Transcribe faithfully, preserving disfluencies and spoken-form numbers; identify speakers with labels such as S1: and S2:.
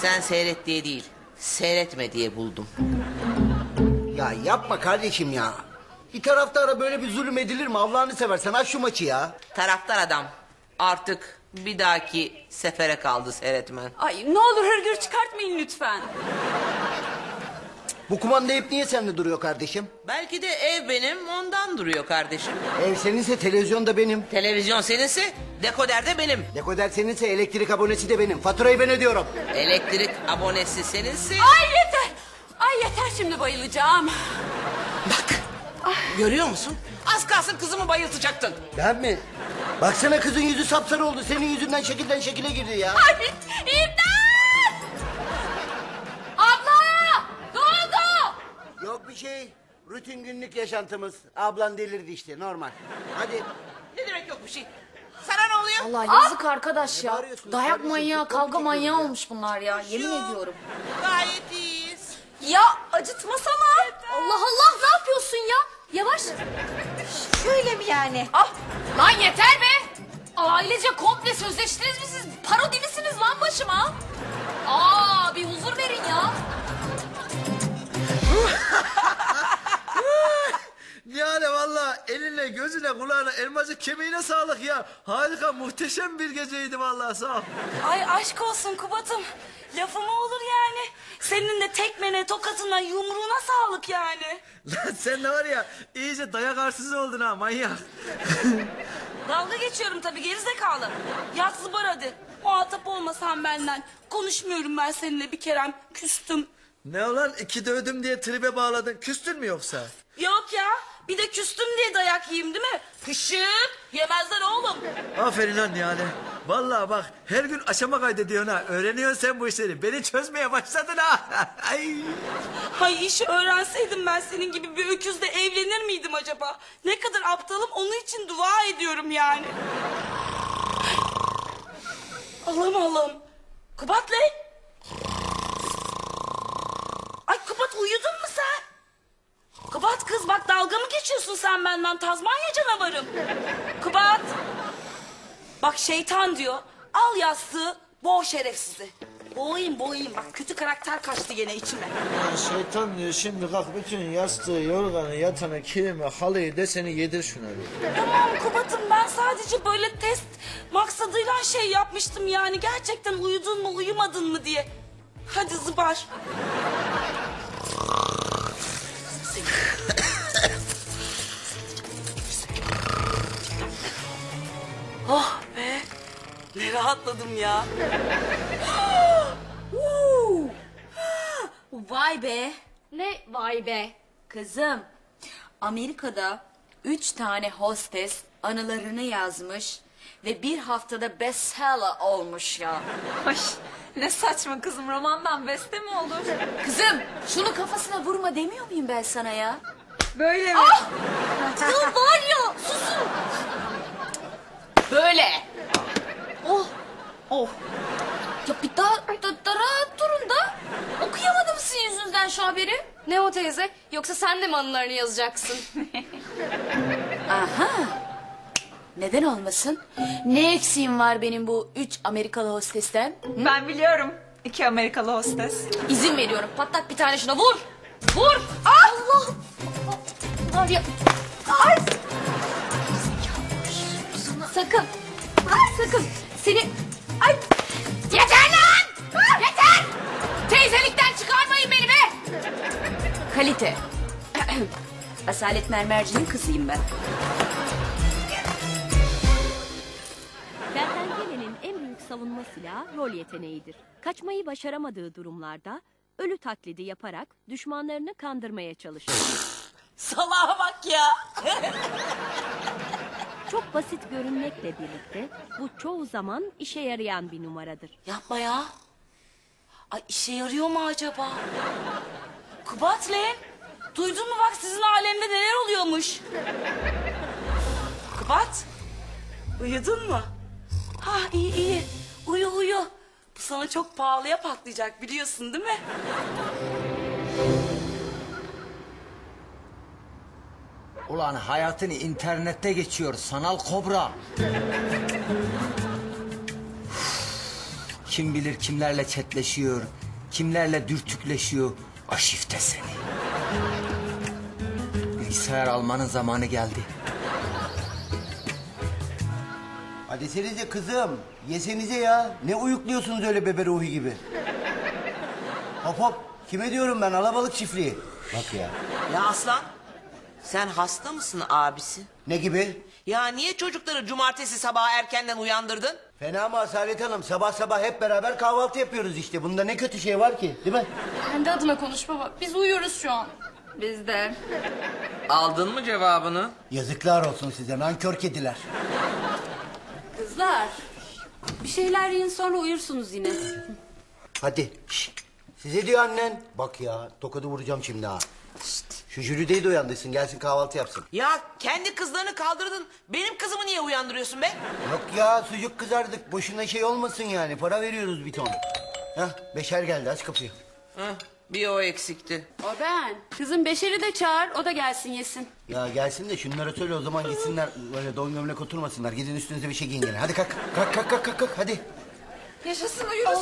S1: Sen seyret diye değil, seyretme diye buldum.
S2: Ya yapma kardeşim ya. Bir taraftara böyle bir zulüm edilir mi? Allah'ını seversen aç şu maçı ya.
S1: Taraftar adam, artık bir dahaki sefere kaldı seyretmen.
S3: Ay ne olur hırgür çıkartmayın lütfen.
S2: Bu kumanda hep niye sende duruyor kardeşim?
S1: Belki de ev benim, ondan duruyor kardeşim.
S2: Ev seninse televizyon da benim.
S1: Televizyon seninse, dekoder de benim.
S2: Dekoder seninse elektrik abonesi de benim. Faturayı ben ödüyorum.
S1: Elektrik abonesi seninse...
S3: Ay yeter. Ay yeter, şimdi bayılacağım.
S1: Bak, görüyor musun? Az kalsın kızımı bayıltacaktın.
S2: Ben mi? Baksana kızın yüzü sapsarı oldu. Senin yüzünden şekilden şekile girdi ya.
S3: Ay imdat! Abla! Ne oldu?
S2: Yok bir şey. Rutin günlük yaşantımız. Ablan delirdi işte, normal. Hadi.
S1: Ne demek yok bir şey? Sana ne oluyor?
S4: Allah yazık arkadaş ya.
S2: bağırıyorsunuz
S4: Dayak
S2: kardeşim?
S4: manyağı,
S2: Futbol
S4: kavga
S2: mu
S4: manyağı
S2: çekiyoruz ya?
S4: olmuş bunlar ya. Yemin ediyorum.
S1: Gayet iyiyiz.
S3: Ya acıtmasana.
S4: Allah Allah, ne yapıyorsun ya? Yavaş.
S3: Şöyle mi yani?
S4: Ah, lan yeter be. Ailece komple sözleştiniz mi siz? Parodi misiniz lan başıma? Aa, bir huzur verin ya.
S5: Yani valla eline, gözüne, kulağına, elmacık kemiğine sağlık ya. Harika, muhteşem bir geceydi valla, sağ ol.
S3: Ay aşk olsun Kubat'ım. Lafı mı olur yani? Senin de tekmene, tokatına, yumruğuna sağlık yani.
S5: Lan sen de var ya, iyice dayak arsızı oldun ha, manyak.
S3: Dalga geçiyorum tabii, gerizekalı. Yat zıbar hadi. Muhatap olmasan benden. Konuşmuyorum ben seninle bir kerem. Küstüm.
S5: Ne ulan, iki dövdüm diye tribe bağladın, küstün mü yoksa?
S3: Yok ya. Bir de küstüm diye dayak yiyeyim değil mi? Pışık. Yemezler oğlum.
S5: Aferin lan yani. Vallahi bak, her gün aşama kaydediyorsun ha. Öğreniyorsun sen bu işleri. Beni çözmeye başladın ha. Ay.
S3: Hay işi öğrenseydim ben senin gibi bir öküzle evlenir miydim acaba? Ne kadar aptalım, onun için dua ediyorum yani. Allah'ım Allah'ım. Kubat lan. Ay Kubat, uyudun mu sen? Kubat kız, bak dalga mı geçiyorsun sen benden, Tazmanya canavarım. Kubat. Bak şeytan diyor. Al yastığı, boğ şerefsizi. Boğayım boğayım, bak kötü karakter kaçtı gene içime.
S5: Ya şeytan diyor, şimdi kalk bütün yastığı, yorganı, yatanı, kilimi, halıyı, deseni yedir şuna bir.
S3: Tamam Kubat'ım, ben sadece böyle test maksadıyla şey yapmıştım yani. Gerçekten uyudun mu uyumadın mı diye. Hadi zıbar. Oh be. Ne rahatladım ya. Vay be.
S4: Ne vay be. Kızım, Amerika'da üç tane hostes anılarını yazmış ve bir haftada bestseller olmuş ya.
S6: Ay, ne saçma kızım, romandan beste mi olur?
S4: Kızım, şunu kafasına vurma demiyor muyum ben sana ya?
S6: Böyle mi?
S4: Ya var ya, susun. Böyle. Oh.
S3: Oh.
S4: Ya bir daha da, da rahat durun da. Okuyamadım sizin yüzünden şu haberi.
S6: Ne o teyze? Yoksa sen de mi anılarını yazacaksın?
S4: Aha. Neden olmasın? Ne eksiğim var benim bu üç Amerikalı hostesten?
S6: Ben biliyorum. İki Amerikalı hostes.
S4: İzin veriyorum. Patlat bir tane şuna, vur. Vur. Allah. Var ya. Ay. Sakın. Ay, sakın. Seni. Ay. Yeter lan. Yeter. Teyzelikten çıkarmayın beni be. Kalite. Asalet Mermerci'nin kızıyım ben.
S7: Kertenkelenin en büyük savunma silahı rol yeteneğidir. Kaçmayı başaramadığı durumlarda ölü taklidi yaparak düşmanlarını kandırmaya çalışır.
S3: Salaha bak ya.
S7: Çok basit görünmekle birlikte bu çoğu zaman işe yarayan bir numaradır.
S3: Yapma ya. Ay işe yarıyor mu acaba? Kubat lan. Duydun mu bak, sizin alemde neler oluyormuş? Kubat. Uyudun mu? Ha iyi iyi. Uyu uyu. Bu sana çok pahalıya patlayacak, biliyorsun değil mi?
S8: Ulan hayatını internette geçiyor sanal kobra. Kim bilir kimlerle chatleşiyor, kimlerle dürtükleşiyor. Aşifte seni. Bilgisayar almanın zamanı geldi.
S2: Hadi desenize kızım. Yesenize ya. Ne uyukluyorsunuz öyle bebe ruhu gibi? Hop hop. Kime diyorum ben? Alabalık çiftliği. Bak ya.
S1: Ya Aslan, sen hasta mısın abisi?
S2: Ne gibi?
S1: Ya niye çocukları cumartesi sabahı erkenden uyandırdın?
S2: Fena mı Asalet Hanım? Sabah sabah hep beraber kahvaltı yapıyoruz işte. Bunda ne kötü şey var ki, değil mi?
S6: Kendi adına konuş baba. Biz uyuyoruz şu an.
S4: Biz de.
S1: Aldın mı cevabını?
S2: Yazıklar olsun size nankör kediler.
S4: Kızlar. Bir şeyler yiyin sonra uyursunuz yine.
S2: Hadi. Şşt. Size diyor annen. Bak ya tokadı vuracağım şimdi ha. Şşt. Şu Jüride'yi de uyandırsın gelsin kahvaltı yapsın.
S1: Ya kendi kızlarını kaldırdın. Benim kızımı niye uyandırıyorsun be?
S2: Yok ya sucuk kızardık. Boşuna şey olmasın yani. Para veriyoruz bir ton. Hah Beşer geldi aç kapıyı.
S1: Heh, bir o eksikti.
S4: O ben. Kızım Beşer'i de çağır, o da gelsin yesin.
S2: Ya gelsin de şunlara söyle o zaman gitsinler. Böyle don gömlek oturmasınlar. Gidin üstünüze bir şey giyin gene. Hadi kalk. Kalk kalk kalk kalk. kalk. Hadi.
S6: Yaşasın uyuruz.